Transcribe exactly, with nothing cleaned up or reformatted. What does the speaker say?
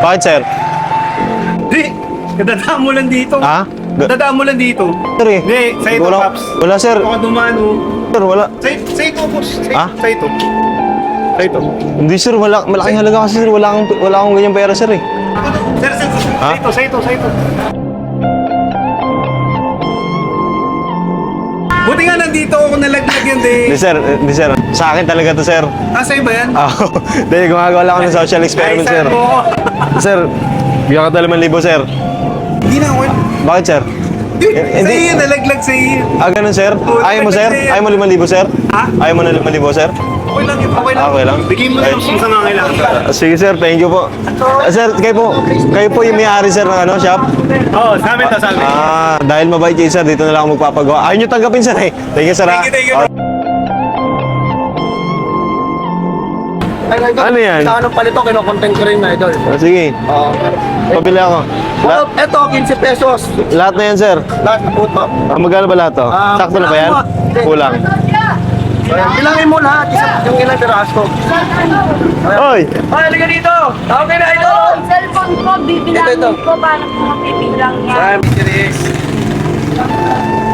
Bakit, sir? Di, kadadaan mo lang dito. Ha? Ga- Kadadaan mo lang dito. Sir, eh. Hindi, sa ito, Wala, Paps. wala, sir. Baka dumano. Sir, wala. Sa, sa ito, boss. Sa, Ha? sa ito. Sa ito. Hindi, sir. Wala, malaking halaga kasi, sir. Wala akong, wala akong ganyan pera, sir, eh. Sir, sir, sir. Sa Ha? ito, sa ito, sa ito. Buti nga nandito ako nalaglag yun, Hindi, di. sir. Hindi, sir. Sa akin talaga to, sir. Ah, sa'yo ba yan? Ah, Dahil gumagawa lang ako ng social experiment, Ay, sir. mo. Sir, bigyan ka dalawang libo, sir. Hindi na ako. Bakit, sir? Dude, Eh, sa hindi. iyo, nalaglag sa iyo. Ah, ganun, sir? Ayaw mo, sir? Ayaw mo limang libo, sir? Ha? Ayaw mo na limang libo, sir? Okay lang yun, okay lang. Okay lang. Bigyan mo lang kung saan nangangailangan ka. Ah, sige, sir. Thank you po. Ah, sir, kayo po, kayo po yung may-ari, sir, ng ano, shop? Oo, sa amin to, sa amin. Ah, dahil mabait kayo, sir, dito na lang ako magpapagawa. Ayaw nyo tanggapin, sir, eh. Thank you, sir, ha? Thank you, thank you. Ah, Ano yan? Sa anong palito, kinokontent ko rin na idol. ah, sige, Oo. pabili ako. La- Oh, eto, quince pesos. lahat na yan, sir. Lahat na po. Ah, magkano ba lahat to? Ah, Sakto na ba yan? kulang mo. Kulang. Bilangin mo lahat, isa, yung ilang piraso. Oy! Ay, halika dito! Tawag kayo na idol! Yung cellphone ko, Ito, ito. bibilangin ko, paano ko mapibilang yan? Ay, Mister X.